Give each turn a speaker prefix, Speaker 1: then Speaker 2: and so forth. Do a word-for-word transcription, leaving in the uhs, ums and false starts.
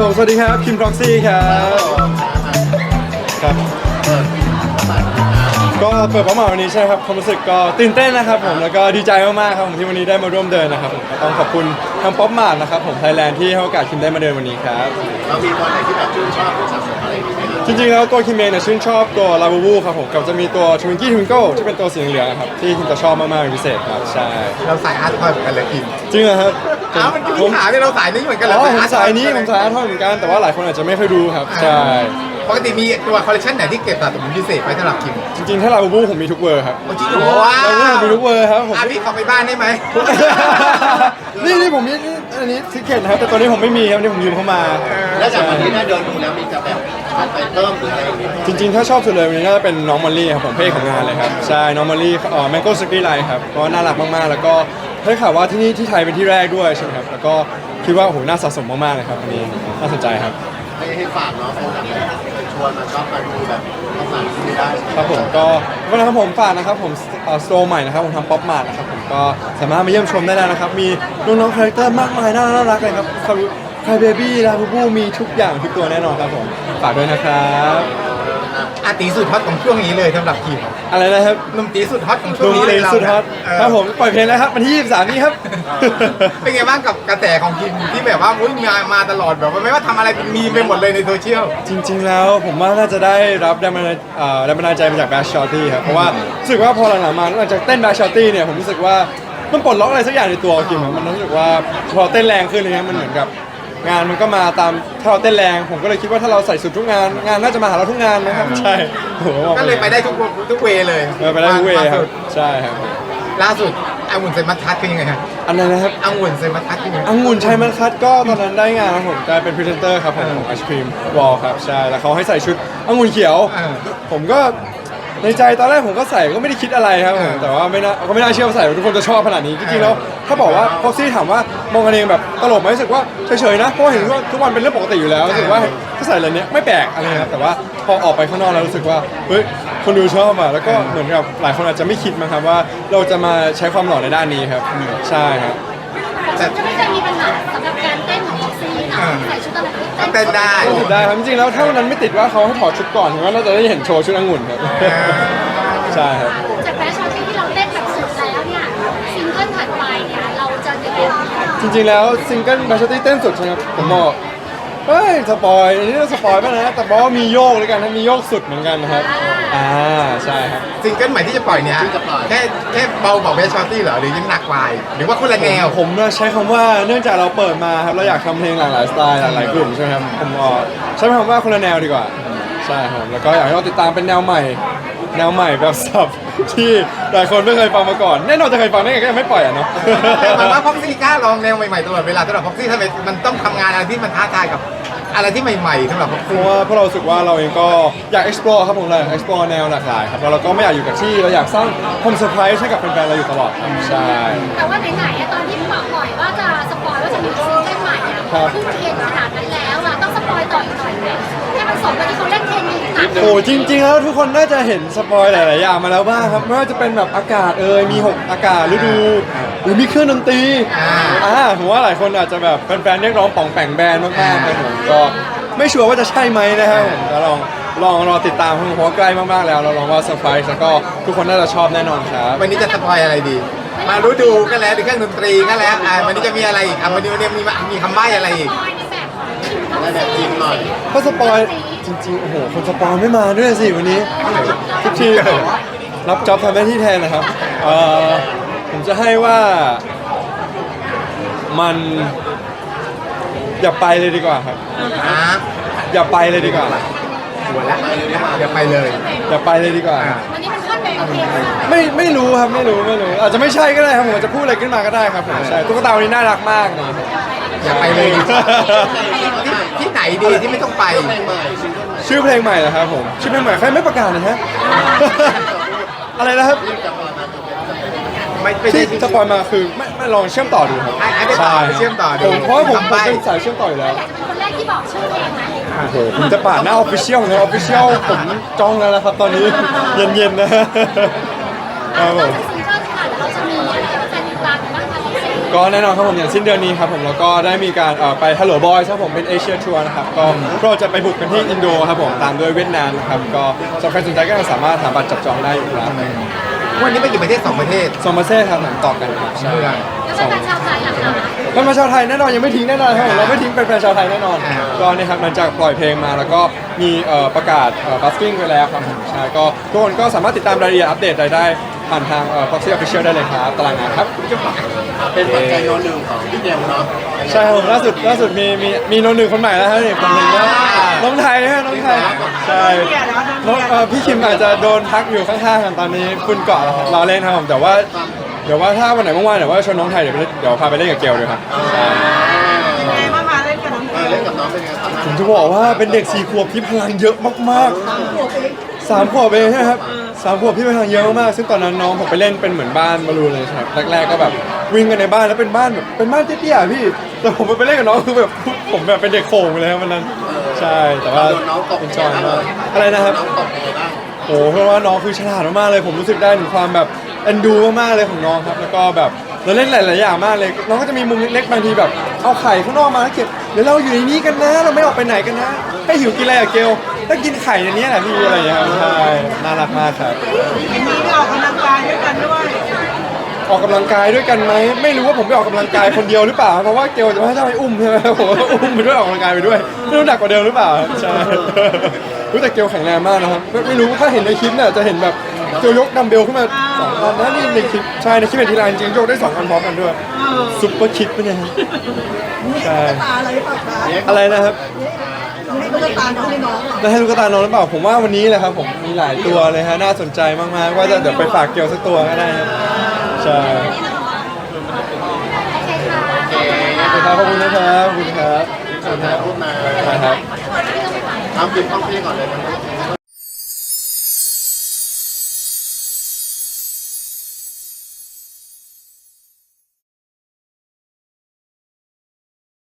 Speaker 1: ผมสวัสดีครับคิม Proxy ครับครับก็เปิดเป้าหมายวันนี้ใช่ครับความรู้สึกก็ตื่นเต้นนะครับผมแล้วก็ดีใจมากๆครับผมที่วันนี้ได้มาร่วมเดินนะครับผมก็ต้องขอบคุณทางป๊อปมาร์ทนะครับผมไทยแลนด์ที่ให้โอกาสคิมได้มาเดินวันนี้ครับ
Speaker 2: เรามีตัวไหนที่แบบชื่นชอบหรือสะสมอะไรอย่างเงี้ย
Speaker 1: จริงๆแล้วตัวคิมเองเนี่ยชื่นชอบตัวลาบูบูครับผมกับจะมีตัวทวิงกี้ทวิงเกิลที่เป็นตัวสีเหลืองๆครับที่คิมจะชอบมากๆเป็นพิเศษครับใช่
Speaker 3: เราสายอาร์ตทอยเหมือนกันเลยกิน
Speaker 1: จริงเหรอครับ
Speaker 3: อ้าวมันมีปัญหาเนี่ยเราสายนี้เหมือนกันเลย
Speaker 1: อ๋อผมสายนี้ผมสายอาร์ตทอยเหมือนกันแต่ว่าหลายคนอาจจะไม่เคยดูครับใช่
Speaker 3: ปกติมีตัวคอลเลคชันไหนที่เก็บสะสมพิเศษไว้สำหรับคิม
Speaker 1: จริงๆถ้าลาบูบูผมมีทุกเวอร์ครับ
Speaker 3: จริงเหรอว้า
Speaker 1: ลาบูบูผมมีทุกเวอร์ครับผม
Speaker 3: อ่ะพี่ขอไปบ้านได้ไหม
Speaker 1: นี่นี่ผมมีอันนี้ทิเก็ตนะครับแต่ตอนนี้ผมไม่มีครับนี่ผมยืมเข้ามา
Speaker 2: แล้วจากวันนี้ได้เดินดูแล้วมีจะแบบชอบไปเพิ่มหรืออะไรอย่างเงี้ย
Speaker 1: จริงๆถ้าชอบสุดเลยวันนี้น่าจะเป็นน้องมอลลี่ครับผมเพลงของงานเลยครับใช่น้องมอลลี่เอ่อแมงโก้สกีไลท์ครับก็น่ารักมากๆแล้วก็ได้ข่าวว่าที่นี่ที่ไทยเป็นที่แรกด้วยใช่ไหมครับแล้วก็คิดว่าโอ้โหน่าสะสมมากๆเลยครับอันนี้น่าสนใจครับ
Speaker 2: ให้ให้ฝากเนาะเป็นแบบชวนมาชอบมาดูแบบต้องสั่งซื้อได้
Speaker 1: ครับผมก็วันนะครับผมฝากนะครับผมสโตร์ใหม่นะครับผมทำป๊อปมาร์ทนะครับผมก็สามารถมาเยี่ยมชมได้แล้วนะครับมีน้องๆคาแรคเตอร์มากมายน่ารักเลยครับคาเบบี้ลาบูบูมีทุกอย่างทุกตัวแน่นอนครับผมฝากด้วยนะครับ
Speaker 3: อาตีสุดฮอตของช่วงนี้เลยสำหรับคิม
Speaker 1: อะไรนะครับ
Speaker 3: หนุ่มตีสุดฮอตของช่วงนี้เลย
Speaker 1: สุดฮอตครับผมปล่อยเพลงแล้วครับวันที่ยี่สิบสามนี้ครับ
Speaker 3: เป็นไงบ้างกับกระแสของคิมที่แบบว่าอุ้ยมามาตลอดแบบว่าไม่ว่าทำอะไรเป็นมีไปหมดเลยในโซเชียล
Speaker 1: จริงๆแล้วผมว่าน่าจะได้รับแรงบันดาลแรงบันดาลใจมาจากแบชชอตตี้ครับเพราะว่ารู้สึกว่าพอหลังๆมาหลังจากเต้นแบชชอตตี้เนี่ยผมรู้สึกว่ามันปลดล็อกอะไรสักอย่างในตัวคิมมันรู้สึกว่าพอเต้นแรงขึ้นเลยนะมันเหมือนกับงานมันก็มาตามถ้าเราเต้นแรงผมก็เลยคิดว่าถ้าเราใส่สุดทุกงานงานน่าจะมาหาเราทุกงานนะครับใช่
Speaker 3: ก็เลยไปได้ทุกทุกเวเลย
Speaker 1: ไปได้ทุกเวครับใช่ครับ
Speaker 3: ล่าสุดองุ่นเซมัสคัตเป็นยังไงครับ
Speaker 1: อันไหนนะครับ
Speaker 3: องุ่นเซมัสคัตเป็นยังไง
Speaker 1: องุ่นชัยมัสคัตก็ตอนนั้นได้งานครับผมกลายเป็นพรีเซนเตอร์ครับผมของไอศครีมวอลครับใช่แล้วเขาให้ใส่ชุดองุ่นเขียวผมก็ในใจตอนแรกผมก็ใส่ก็ไม่ได้คิดอะไรครับผมแต่ว่าไม่น่าก็ไม่น่าเชื่อว่าใส่ทุกคนจะชอบขนาดนี้จริงๆแล้วถ้าบอกว่าพ็อกซี่ถามว่ามองกันเองแบบตลกไหมรู้สึกว่าเฉยๆนะเพราะเห็นว่าทุกวันเป็นเรื่องปกติอยู่แล้วรู้สึกว่าถ้าใส่อะไรเนี้ยไม่แปลกอะไรครับแต่ว่าพอออกไปข้างนอกแล้วรู้สึกว่าเฮ้ยคนดูชอบอ่ะแล้วก็เหมือนกับหลายคนอาจจะไม่คิดมั้งครับว่าเราจะมาใช้ความหล่อในด้านนี้ครับใช่ครับ
Speaker 4: จะไม่เคยมีปัญหาสำหรับการเต้นของพ็อกซี่นะใส่ชุดอะไรก็
Speaker 3: เต้นได้
Speaker 1: ได้ครับจริงๆแล้วถ้าวันนั้นไม่ติดว่าเขาให้ถอดชุดก่อนผมว่าเราจะได้เห็นโชว์ชุดองุ่นครับใช่ครับ
Speaker 4: จากแฟชั่นที่เราเต้นแบบสุดแล้วเนี่ยซิงเกิลถัดไปเนี่ยเราจะยังไง
Speaker 1: จริงๆแล้วซิงเกิลแบชตี้เต้นสุดใช่ไหมครับผมบอกเฮ้ยสปอยอันนี้เราสปอยป่ะนะแต่บอกว่ามีโยกด้วยกันนะมีโยกสุดเหมือนกันนะครับอ่าใช่ครับ
Speaker 3: ซิงเกิลใหม่ที่จะปล่อยเนี่ยแค่แค่เบาบอกแบชตี้เหรอหรือยังหนักไปหรือว่าคนละแนว
Speaker 1: ผมใช้คำว่าเนื่องจากเราเปิดมาครับเราอยากทำเพลงหลากหลายสไตล์หลากหลายกลุ่มใช่ไหมครับผมใช้คำว่าคนละแนวดีกว่าใช่ครับแล้วก็อยากให้เราติดตามเป็นแนวใหม่แนวใหม่แบบสับที่หลายคนไม่เคยฟังมาก่อนแน่นอนจะเคยฟังได้ไงก็ยังไม่ปล่อยอ่ะเนาะ
Speaker 3: แต่ว่าพ็อกซี่กล้าลองแนวใหม่ๆตลอดเวลาสำหรับพ็อกซี่ทำไมมันต้องทำงานอะไรที่มันท้าทายกับอะไรที่ใหม่ๆสำหรับพ็อก
Speaker 1: เพ
Speaker 3: ซี่
Speaker 1: ราะว่าพวกเราสึกว่าเราเองก็อยาก explore ครับผมเลย explore แนวหลากหลายครับแล้วเราก็ไม่อยากอยู่กับที่เราอยากสร้างความเซอร์ไพรส์ให้กับแฟนๆเราอยู่ตลอดครับใช่
Speaker 4: แต่ว่าไหนๆตอนที่บอกปล่อยว่าจะสปอยว่าจะมีซิงเกิลใหม่อ่ะขึ้นเทรนขนาดนั้นแล้วอ่ะต้องสปอยต่ออีกหน่อยไหมให้มันสมกับที่เขาเล่นเทรนนี้หนัก
Speaker 1: โอ้จริงๆแล้วทุกคนน่าจะเห็นสปอยหลายๆอย่างมาแล้วบ้างครับไม่ว่าจะเป็นแบบอากาศเอ่ยมีหกอากาศฤดูหรือมีเครื่องดนตรีอ่าผมว่าหลายคนอาจจะแบบแฟนๆเรียกร้องป่องแป่งแบนมากๆครับผมก็ไม่ชัวร์ว่าจะใช่ไหมนะครับผมก็ลองลองรอติดตามเพราะใกล้มากๆแล้วเราลองว่าเซอร์ไพรส์แล้วก็ทุกคนน่าจะชอบแน่นอนครับ
Speaker 3: วันนี้จะสปอยอะไรดีมารู้ดูก็แล้วเครื่องดนตรีก็แล้วอ่าวันนี้จะมีอะไรอีกอ่ะวันนี้วันนี้มีมีคำใบ้อะไรอีก
Speaker 2: ได้แบบจริงหน่อย
Speaker 1: ก็สปอยจริงๆโอ้โหคนสปอยไม่มาด้วยสิวันนี้ทุกทีรับจ็อบทำหน้าที่แทนนะครับเอ่อผมจะให้ว่ามันอย่าไปเลยดีกว่าครับอย่าไปเลยดีกว่า
Speaker 3: หัวแล้วอย่าไปเลย
Speaker 1: อย่าไปเลยดีกว่า
Speaker 4: วันนี้มันขึ้นไปโอเค
Speaker 1: ไม่ไม่รู้ครับไม่รู้ไม่รู้อาจจะไม่ใช่ก็ได้ครับผมจะพูดอะไรขึ้นมาก็ได้ครับผมใช่ตุ๊กตาวันนี้น่ารักมากเลย
Speaker 3: อย่าไปเลยที่ไหนดีที่ไม่ต้องไป
Speaker 1: ชื่อเพลงใหม่เหรอครับผมชื่อเพลงใหม่ใครไม่ประกาศนะฮะอะไรนะครับที่สปอยมาคือไม่ไม่ลองเชื่อมต่อดูครับ
Speaker 3: ใช่เชื่อมต่อดู
Speaker 1: ผมเพราะผมผมเป็นสายเชื่อมต่ออยู่แล้ว
Speaker 4: คนแรกที่บอกชื่อเพลงไหม
Speaker 1: โอ้โหผมจะปาดหน้าออฟฟิเชียลนะออฟฟิเชียลผมจ้องแล้วนะครับตอนนี้เย็นๆนะครับผม
Speaker 4: ซิงเกิลค่ะเราจะมีอะไรแฟนกลางบ้างคะพี่ซี
Speaker 1: ก็แน่นอนครับผมอย่างสิ้นเดือนนี้ครับผมแล้วก็ได้มีการเอ่อไป Hello Boys ครับผมเป็นเอเชียทัวร์นะครับก็เราจะไปบุกกันที่อินโดครับผมตามด้วยเวียดนามนะครับก็สำหรับใครสนใจก็สามารถหาบัตรจับจองได้อยู่ครับ
Speaker 3: วันนี้ไปกี่ประเทศสองประเทศ
Speaker 1: สองประเทศครับผมต่อกันครับใช่
Speaker 3: เมือง
Speaker 4: แล้วเป็นแฟนชาวไทยล่ะคะ
Speaker 1: เป็นมาชาวไทยแน่นอนยังไม่ทิ้งแน่นอนครับผมเราไม่ทิ้งเป็นแฟนชาวไทยแน่นอน
Speaker 3: อ่า
Speaker 1: ก็เนี่ยครับหลังจากปล่อยเพลงมาแล้วก็มีเอ่อประกาศบัสกิ้งไปแล้วครับผมใช่ก็ทุกคนก็สามารถติดตามรายละเอียดอัปเดตรายได้ผ่านทางเอ่อ Proxy Official ได้เลยครับตารางงานครับ
Speaker 2: เป็นปัจจัยโนหนึ่งของพี่เจมส์เนาะ
Speaker 1: ใช่ครับผมล่าสุดล่าสุดมีมีมีน้องหนึ่งคนใหม่แล้วครับนี่คนหนึ่งนะน้องไทยฮะน้องไทยใช่น้องเอ่อพี่คิมอาจจะโดนพักอยู่ข้างๆกันตอนนี้คุณเกาะแล้วครับรอเล่นครับผมแต่ว่าเดี๋ยวว่าถ้าวันไหนว่างๆเดี๋ยวว่าชวนน้องไทยเดี๋ยวไปเดี๋ยวพาไปเล่นกับเกลด้วยครับใช่
Speaker 5: ยังไงมามาเล่นกับน้อง
Speaker 2: เออเล่นกับน้องเป็นไงครับ
Speaker 1: ผมจะบอกว่าเป็นเด็กสี่ขวบที่พลังเยอะมากๆสามขวบเองใช่ไหมครับสามขวบที่พลังเยอะมากๆซึ่งตอนนั้นน้องผมไปเล่นเป็นเหมือนบ้านบอลลูนเลยครับแรกๆก็แบบวิ่งกันในบ้านแล้วเป็นบ้านแบบเป็นบ้านเตี้ยๆพี่แต่ผมไปเล่นกับน้องคือแบบผมแบบเป็นเด็กโขงเลยครับวันนั้นใช่แต่ว่า
Speaker 2: โดนน้องตบ
Speaker 1: เป็น
Speaker 2: ยัง
Speaker 1: จ
Speaker 2: ไง
Speaker 1: อย
Speaker 2: บ้าง
Speaker 1: มากอะไรนะครับ
Speaker 2: น้องตบยังไงบ้าง
Speaker 1: โอ้เพราะว่าน้องคือฉลาดมากๆเลย ผมรู้สึกได้ถึงความแบบเอ็นดูมากๆเลยของน้องครับ แล้วก็แบบเราเล่นหลายๆอย่างมากเลย น้องก็จะมีมุมเล็กๆบางทีแบบเอาไข่ข้างนอกมาแล้วเก็บเดี๋ยวเราอยู่ในนี้กันนะ เราไม่ออกไปไหนกันนะให้หิวกินอะไรอะเกลถ้ากินไข่ในนี้แหละพี่อะไรอย่างเงี้ยครับใช่น่ารักมากครับ
Speaker 5: วันนี้ไปออกกำลังกายด้วยกันด้วย
Speaker 1: ออกกำลังกายด้วยกันไหมไม่รู้ว่าผมไปออกกำลังกายคนเดียวหรือเปล่าเพราะว่าเกลจะให้เจ้าไปอุ้มใช่ไหมผมก็อุ้มไปด้วยออกกำลังกายไปด้วยไม่รู้หนักกว่าเดิมหรือเปล่าใช่ รู้แต่เกลแข็งแรงมากนะครับไม่ไม่รู้ถ้าเห็นในคลิปเนี่ยจะเห็นแบบเกลยกดัมเบลขึ้นมาสองอันนะนี่ในคลิปใช่ในคลิปเป็นทีไรจริงๆยกได้สองอันพร้อมกันด้วยซุปเปอร์คิดปะเนี่ยใช่
Speaker 5: ตาอะไรปะคะ
Speaker 1: อะไรนะครับ
Speaker 5: ให้ตุ๊กตาน้องให้น้อง
Speaker 1: แล้วให้ลูกกระตาน้องหรือเปล่าผมว่าวันนี้แหละครับผมมีหลายตัวเลยฮะน่าสนใจมากๆว่าจะเดี๋ยวไปฝากเกลสักตัวก็ได้ครับใช่
Speaker 4: โอเคค่ะ
Speaker 1: ขอบคุณนะครับขอบคุณนะครับขอบคุณครับ
Speaker 2: ถ่ายรูปมา
Speaker 1: นะครับ
Speaker 2: ทำปิดห้องพี่ก่อนเลยนะ